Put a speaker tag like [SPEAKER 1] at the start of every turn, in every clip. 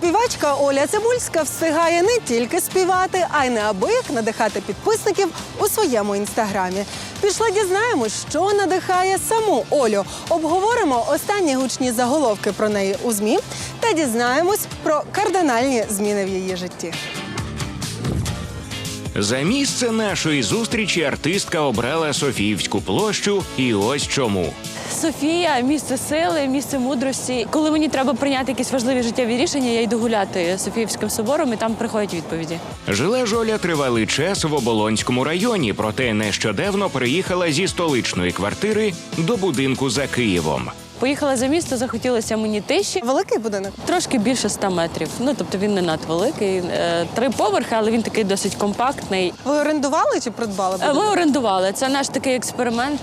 [SPEAKER 1] Співачка Оля Цибульська встигає не тільки співати, а й неабияк надихати підписників у своєму інстаграмі. Пішли дізнаємось, що надихає саму Олю. Обговоримо останні гучні заголовки про неї у ЗМІ та дізнаємось про кардинальні зміни в її житті.
[SPEAKER 2] За місце нашої зустрічі артистка обрала Софіївську площу, і ось чому.
[SPEAKER 3] Софія – місце сили, місце мудрості. Коли мені треба прийняти якісь важливі життєві рішення, я йду гуляти Софіївським собором, і там приходять відповіді.
[SPEAKER 2] Жила ж Оля тривалий час в Оболонському районі, проте нещодавно переїхала зі столичної квартири до будинку за Києвом.
[SPEAKER 3] Поїхала за місто, захотілося мені тиші.
[SPEAKER 1] Великий будинок?
[SPEAKER 3] Трошки більше 100 метрів. Тобто він не надвеликий. 3 поверхи, але він такий досить компактний.
[SPEAKER 1] Ви орендували чи придбали будинок?
[SPEAKER 3] Ми орендували. Це наш такий експеримент,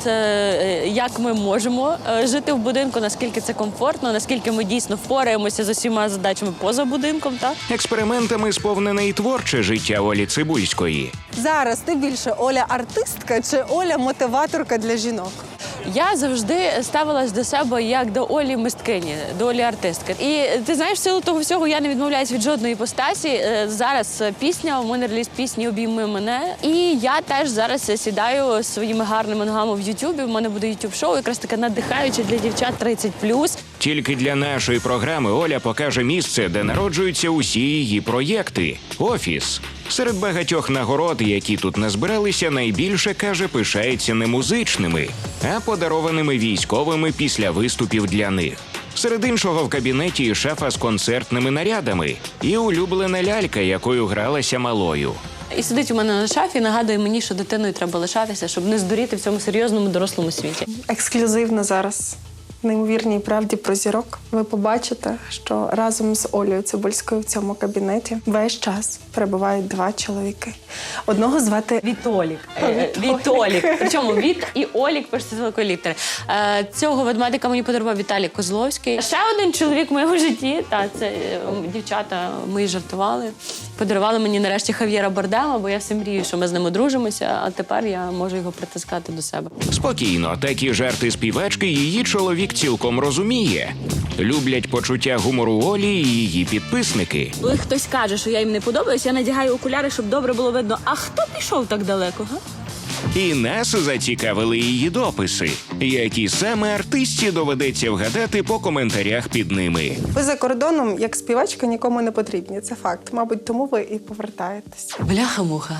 [SPEAKER 3] як ми можемо жити в будинку, наскільки це комфортно, наскільки ми дійсно впораємося з усіма задачами поза будинком. Так?
[SPEAKER 2] Експериментами сповнене і творче життя Олі Цибульської.
[SPEAKER 1] Зараз ти більше Оля артистка чи Оля мотиваторка для жінок?
[SPEAKER 3] Я завжди ставилась до себе як до Олі мисткині, до Олі артистки. І ти знаєш, в силу того всього я не відмовляюсь від жодної іпостасі. Зараз пісня, у мене реліз пісні «Обійми мене». І я теж зараз сідаю своїми гарними ногами в Ютубі. У мене буде ютуб-шоу, якраз таке надихаюче для дівчат 30+.
[SPEAKER 2] Тільки для нашої програми Оля покаже місце, де народжуються усі її проєкти – офіс. Серед багатьох нагород, які тут назбиралися, найбільше, каже, пишається не музичними, а подарованими військовими після виступів для них. Серед іншого в кабінеті шафа з концертними нарядами і улюблена лялька, якою гралася малою.
[SPEAKER 3] І сидить у мене на шафі, нагадує мені, що дитиною треба лишатися, щоб не здуріти в цьому серйозному дорослому світі.
[SPEAKER 4] Ексклюзивно зараз. В неймовірній правді про зірок. Ви побачите, що разом з Олею Цибульською в цьому кабінеті весь час перебувають 2 чоловіки. Одного звати
[SPEAKER 3] Вітолік. Вітолік. Причому Віт і Олік пишеться з великої літери. Цього ведмедика мені подарував Віталій Козловський. Ще один чоловік в моєму житті, це дівчата мої жартували. Подарували мені нарешті Хав'єра Бардема, бо я все мрію, що ми з ним одружимося, а тепер я можу його притискати до себе.
[SPEAKER 2] Спокійно, такі жарти співачки її чоловік цілком розуміє. Люблять почуття гумору Олі і її підписники.
[SPEAKER 3] Коли хтось каже, що я їм не подобаюсь, я надягаю окуляри, щоб добре було видно. А хто пішов так далеко, га?
[SPEAKER 2] І нас зацікавили її дописи, які саме артистці доведеться вгадати по коментарях під ними.
[SPEAKER 4] Ви за кордоном, як співачка, нікому не потрібні. Це факт. Мабуть, тому ви і повертаєтесь.
[SPEAKER 3] Бляха-муха.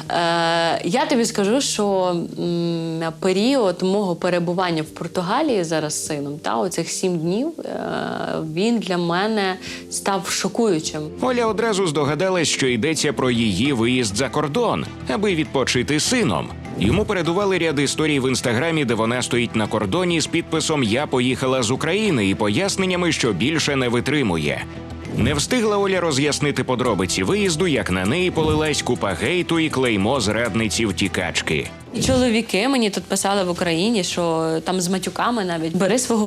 [SPEAKER 3] Я тобі скажу, що період мого перебування в Португалії зараз з сином, оцих 7 днів, він для мене став шокуючим.
[SPEAKER 2] Оля одразу здогадалась, що йдеться про її виїзд за кордон, аби відпочити з сином. Йому передували ряд історій в інстаграмі, де вона стоїть на кордоні з підписом «Я поїхала з України» і поясненнями, що більше не витримує. Не встигла Оля роз'яснити подробиці виїзду, як на неї полилась купа гейту і клеймо зрадниці-втікачки.
[SPEAKER 3] І чоловіки мені тут писали в Україні, що там з матюками навіть «Бери свого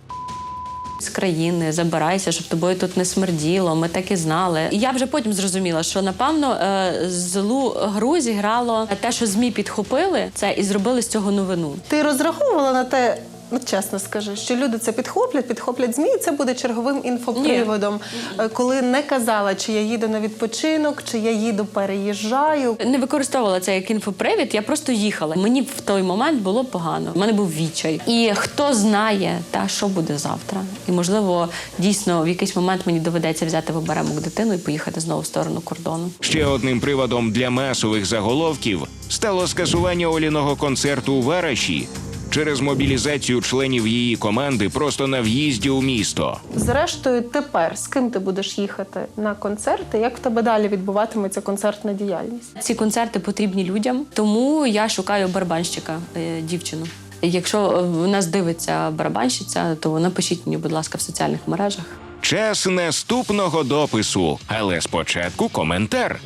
[SPEAKER 3] з країни, забирайся, щоб тобою тут не смерділо, ми так і знали». І я вже потім зрозуміла, що, напевно, злу гру зіграло те, що ЗМІ підхопили це і зробили з цього новину.
[SPEAKER 4] Ти розраховувала на те, чесно скажи, що люди це підхоплять ЗМІ, і це буде черговим інфоприводом, коли не казала, чи я їду на відпочинок, чи я їду, переїжджаю.
[SPEAKER 3] Не використовувала це як інфопривід, я просто їхала. Мені в той момент було погано, в мене був відчай. І хто знає, що буде завтра. І, можливо, дійсно, в якийсь момент мені доведеться взяти в оберемок дитину і поїхати знову в сторону кордону.
[SPEAKER 2] Ще одним приводом для масових заголовків стало скасування Оліного концерту у Вараші через мобілізацію членів її команди просто на в'їзді у місто.
[SPEAKER 4] Зрештою, тепер з ким ти будеш їхати на концерти? Як в тебе далі відбуватиметься концертна діяльність?
[SPEAKER 3] Ці концерти потрібні людям, тому я шукаю барабанщика, дівчину. Якщо в нас дивиться барабанщиця, то напишіть мені, будь ласка, в соціальних мережах.
[SPEAKER 2] Час наступного допису, але спочатку коментар.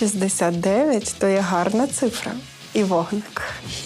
[SPEAKER 4] 69 – то є гарна цифра. І вогник.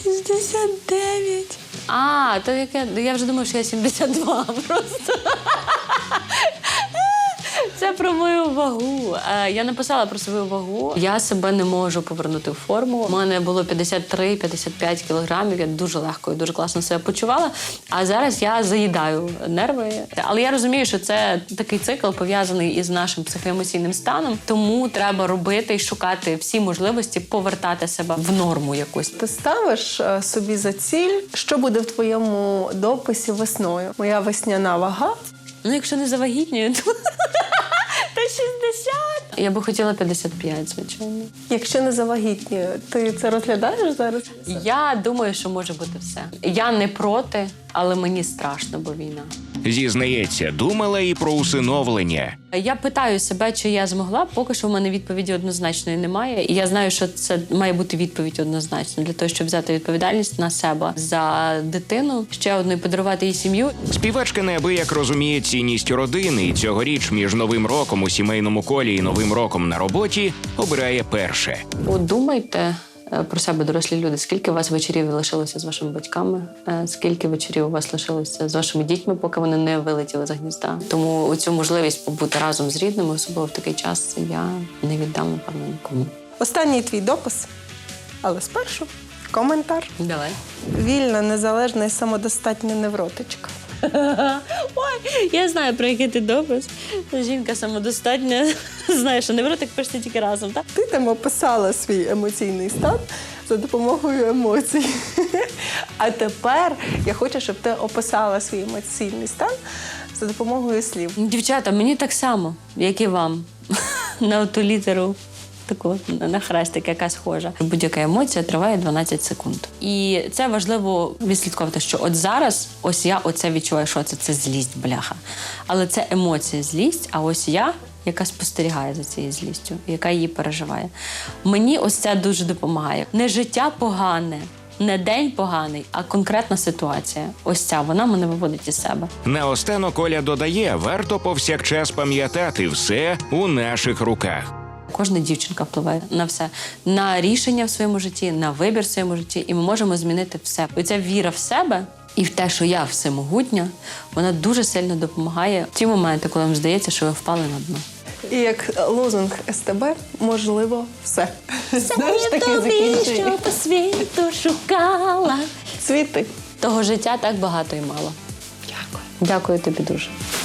[SPEAKER 3] 69. То яке? Я вже думаю, що я 72 просто. Це про мою вагу. Я написала про свою вагу. Я себе не можу повернути в форму. У мене було 53-55 кілограмів. Я дуже легко і дуже класно себе почувала. А зараз я заїдаю нерви. Але я розумію, що це такий цикл пов'язаний із нашим психоемоційним станом. Тому треба робити і шукати всі можливості повертати себе в норму якусь.
[SPEAKER 4] Ти ставиш собі за ціль, що буде в твоєму дописі весною? Моя весняна вага.
[SPEAKER 3] Ну, якщо не завагітнюю, то 60. Я би хотіла 55, звичайно.
[SPEAKER 4] Якщо не завагітнюю, ти це розглядаєш зараз?
[SPEAKER 3] Я думаю, що може бути все. Я не проти, але мені страшно, бо війна.
[SPEAKER 2] Зізнається, думала і про усиновлення.
[SPEAKER 3] Я питаю себе, чи я змогла. Поки що в мене відповіді однозначної немає. І я знаю, що це має бути відповідь однозначно для того, щоб взяти відповідальність на себе за дитину, ще одну і подарувати їй сім'ю.
[SPEAKER 2] Співачка неабияк розуміє цінність родини, і цьогоріч між Новим роком у сімейному колі і Новим роком на роботі обирає перше.
[SPEAKER 3] Подумайте про себе, дорослі люди, скільки у вас вечорів лишилося з вашими батьками, скільки вечорів у вас лишилося з вашими дітьми, поки вони не вилетіли з гнізда. Тому цю можливість побути разом з рідними, особливо в такий час, я не віддам, напевно, нікому.
[SPEAKER 4] Останній твій допис, але спершу коментар.
[SPEAKER 3] Давай.
[SPEAKER 4] Вільна, незалежна і самодостатня невротичка.
[SPEAKER 3] Ой, я знаю, про який ти допис. Жінка самодостатня. Знаєш, що невротик пишете тільки разом, так?
[SPEAKER 4] Ти там описала свій емоційний стан за допомогою емоцій. А тепер я хочу, щоб ти описала свій емоційний стан за допомогою слів.
[SPEAKER 3] Дівчата, мені так само, як і вам. На ту літеру. Таку на хрестик, яка схожа. Будь-яка емоція триває 12 секунд. І це важливо відслідковувати, що от зараз ось я оце відчуваю, що це злість, бляха. Але це емоція, злість, а ось я, яка спостерігає за цією злістю, яка її переживає. Мені ось це дуже допомагає. Не життя погане, не день поганий, а конкретна ситуація. Ось ця, вона мене виводить із себе.
[SPEAKER 2] Наостанок Оля додає, варто повсякчас пам'ятати, все у наших руках.
[SPEAKER 3] Кожна дівчинка впливає на все. На рішення в своєму житті, на вибір в своєму житті. І ми можемо змінити все. Оця віра в себе і в те, що я всемогутня, вона дуже сильно допомагає в ті моменти, коли вам здається, що ви впали на дно.
[SPEAKER 4] І як лозунг СТБ можливо все.
[SPEAKER 3] Знаєш, таке закінчення. Що по світу шукала.
[SPEAKER 4] Цвіти.
[SPEAKER 3] Того життя так багато і мало.
[SPEAKER 4] Дякую.
[SPEAKER 3] Дякую тобі дуже.